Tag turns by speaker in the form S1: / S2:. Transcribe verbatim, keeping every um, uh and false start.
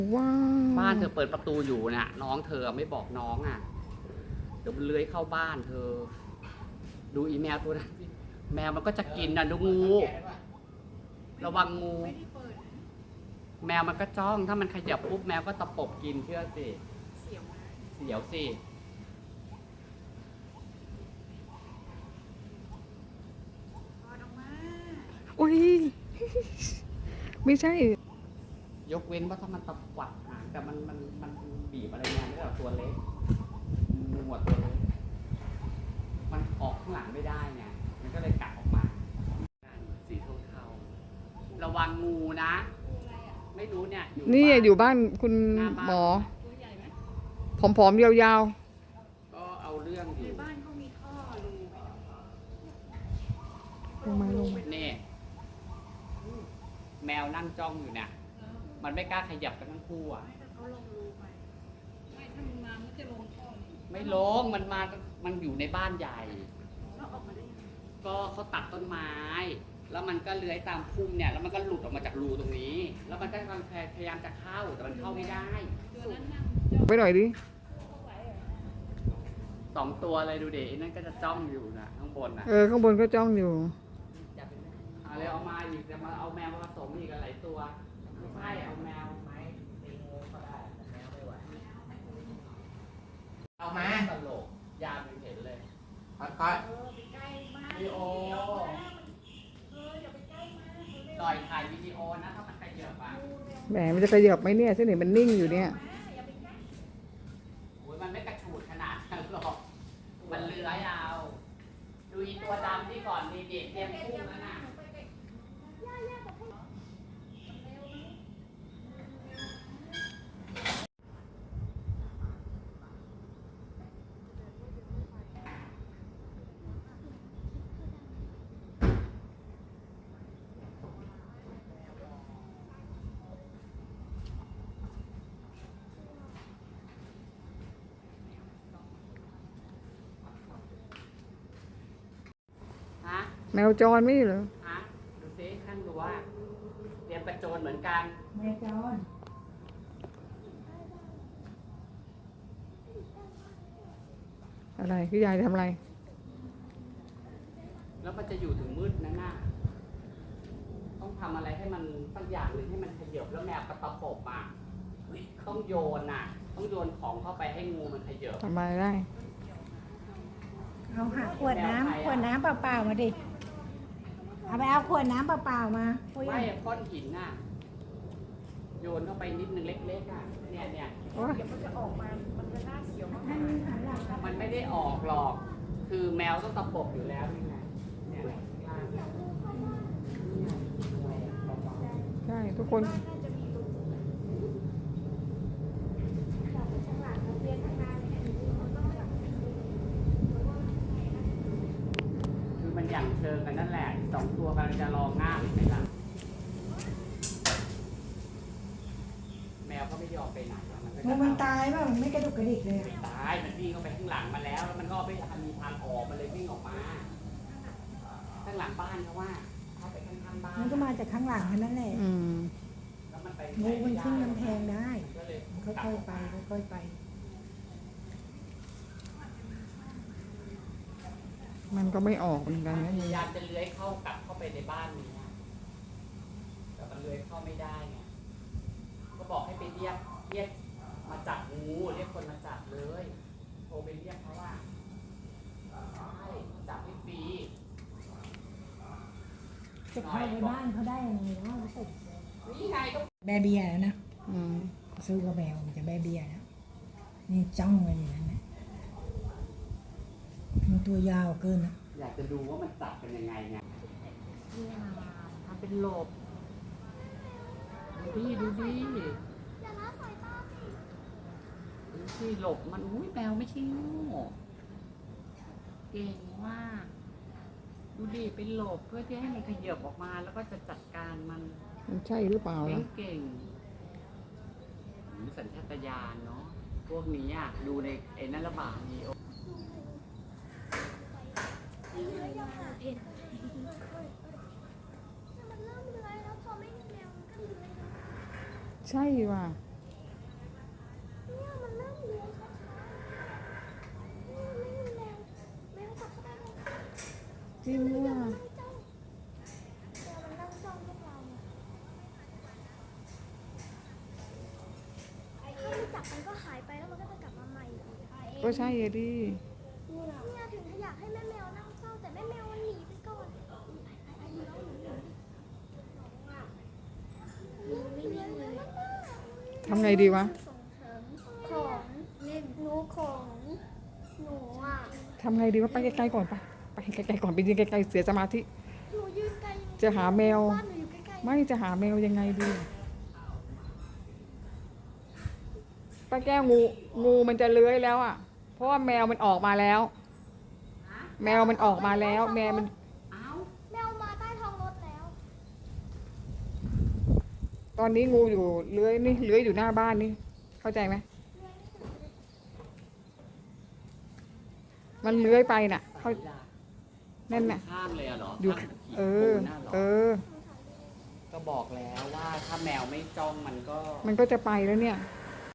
S1: ว้าว
S2: บ้านเธอเปิดประตูอยู่น่ะน้องเธอไม่บอกน้องอ่ะเดี๋ยวมันเลื้อยเข้าบ้านเธอดูอีแมวตัวนั้นสิแมวมันก็จะกินน่ะดูงูระวังงูแมวมันก็จ้องถ้ามันขยับปุ๊บแมวก็ตะปบกินเชื่อสิเสียวเสียวสิ
S1: อุ้ยไม่ใช่
S2: ยกเว้นว่าถ้ามันตะวัดหางแต่มันมันมันบีบอะไรเงี้ยไม่ได้หรอกตัวเล็กงูหัวตัวเล็กมันออกข้างหลังไม่ได้ไงมันก็เลยกัดออกมาสีเทาๆระวังงูนะไม่รู้เนี่ย
S1: นี่อยู่บ้านคุณหมอผอมๆยาว
S2: ๆก็เอาเรื่องอยู่บ้านเขามีท่อรู
S1: ลงมาลงมา
S2: นี่แมวนั่งจ้องอยู่เนี่ยมันไม่กล้าขยับกันทั้งคู่อ่ะเขาลงรูไปไม่ถ้ามันมามันจะลงท่อไม่ลงมันมามันอยู่ในบ้านใหญ่ก็เขาตัดต้นไม้แล้วมันก็เลื้อยตามพุ่มเนี่ยแล้วมันก็หลุดออกมาจากรูตรงนี้แล้วมันก็กำลังพยายามจะเข้าแต่มันเข้าไม่ได้
S1: ไปหน่อยดิ
S2: สองตัวเลยดูเด็กนั่นก็จะจ้องอยู่นะข้างบนนะ
S1: เออข้างบนก็จ้องอยู่
S2: เอาเลยเอามาอีกจะมาเอาแมวมาผสมอีกหลายตัวไม่ใช่เอาแมวไหมตีงูก็ได้แมวไม่ไหวเอามาตลกยามเห็นเลยค่อยๆวิดีโอต่อยถ่ายวิดีโอนะถ้ามันขยับอ่ะ
S1: แหมมันจะขยับไหมเนี่ยเส้นไหนมันนิ่งอยู่เนี่ย
S2: โอ้ยมันไม่กระฉูดขนาดนั้นหรอกมันเลื้อยเอาดูอีตัวดำที่ก่อนมีเด็กเตรียมพุ่งแล้วนะ
S1: แมวจรไม่เหรอ
S2: ฮะดูซิท่านดูว่าเตรียมกระโจนเหมือนกัน
S1: แมวจรอะไรพี่ยายทำอะไร
S2: แล้วมันจะอยู่ถึงมืดนะน่ะต้องทำอะไรให้มันสักอย่างหนึ่งให้มันขยับแล้วแมวกระตะปบอ่ะต้องโยนน่ะต้องโยนของเข้าไปให้งูมันขยับ
S1: ทำอะไรได้
S3: เอาหาขวดน้ำขวดน้ำเปล่าๆมาดิเอาไปเอาขวดน้ำเปล่าๆมา
S2: ไม่ก้อนหินน่ะโยนเข้าไปนิดนึงเล็กๆอ่ะเนี่ยเนี่ยมันจะออกมามันจะน่าเสียวมากมันไม่ได้ออกหรอกคือแมวต้องตะปบอยู่แล้วนี่ไงเนี่ย
S1: ใช่ทุกคน
S2: มันอย่างเชิงกันนั่นแหละสองตัวกำลังจะรอง่ามไหมล่ะแมวก็ไม่ยอมไปไหน
S3: มันมันตายป่ะมันไม่กระดุกกระดิกเลย
S2: ไม่ตายมันวิ่งเข้าไปข้างหลังมาแล้วแล้วมันก็ไม่มีทางออกมันเลยวิ่งออกมาข้างหลังบ้านเขาว่าเข้าไปข้างๆบ้าน
S3: มันก็มาจากข้างหลังนั่นแหละงูมันขึ้นกำแพงได้ค่อยๆไปค่อยๆไป
S1: มันก็ไม่ออกเหมือนกันนะ
S2: พยายามจะเลื้อยเข้ากลับเข้าไปในบ้านนี้แต่มันเลื้อยเข้าไม่ได้ไงก็บอกให้ไปเรียกเรียกมาจับงูเรียกคนมาจับเลยโทรไปเรียกเขาว่าใช่จับให้ฟรี
S3: จะเข้าในบ้านเขาได้ยังไงเนาะรู้สึก
S2: นี่ไงก็
S3: แบเบียแล้วนะซื้อกับแมวมันจะแบเบียแล้วนี่จ้องเลยอย่างนั้นนะมันตัวยาวเกินนะ
S2: อยากจะดูว่ามันจับเป็นยังไงไงทำเป็นหลบดูดิดูดิดูสิหลบมันอุ้ยแมวไม่ใช่งูเก่งมากดูดิเป็นหลบเพื่อที่ให้มันขยับออกมาแล้วก็จะจัดการมัน
S1: มันใช่หรือเปล่าล่ะ
S2: เก่งสัญชาตญาณเนาะพวกนี้อ่ะดูในไอ้นั่นระบาดนี่
S4: เผ็ดแต่มันเริ่มเลื้อยแล้วพอไม่มีแมวมันก็เลื้อย
S1: ใช่ว่ะจริงว่ะ
S4: แมวมันนั่งจ้องพวกเราเนี่ยถ้าไม่จับมันก็หายไปแล้วมันก็จะกลับมาใหม่อีก
S1: ก็ใช่อะดิ
S4: เนี่ยถึงอยากให้แม่แมวนั่งเศร้าแต่แม่แมวมันหนีไปก่อนไปไปไปน้องหนูหนูไม่นิ่งเลย
S1: ทำไงดีวะ
S4: ส่งเสริมของเล่นหนูของหนูอ่ะ
S1: ทำไงดีวะไปไกลๆก่อนไปไปไกลๆก่อนไปยืนไกลๆเสียสมาธิ
S4: หนูยืนไกลยังไง
S1: จะหาแมว
S4: บ้านหนูอยู่ใกล้ๆ
S1: ไม่จะหาแมวยังไงดีป้าแก้วงูงูมันจะเลื้อยแล้วอ่ะ เพราะว่าแมวมันออกมาแล้ว แมวมันออกมาแล้ว แมวมัน
S2: เอ้า
S4: แมวมาใต้ท้องรถแล้ว
S1: ตอนนี้งูอยู่เลื้อยนี่เลื้อยอยู่หน้าบ้านนี่เข้าใจไหมมันเลื้อยไปน่ะเขานั่นน่ะ
S2: ข้างเลยอะเหรอ
S1: อยู่
S2: ข้างขีด
S1: เอ
S2: ปู
S1: อ
S2: นน่ะเหรอ
S1: เออ
S2: ก็บอกแล้วว่าถ้าแมวไม่จ้องมันก็
S1: มันก็จะไปแล้วเนี่ย
S2: เ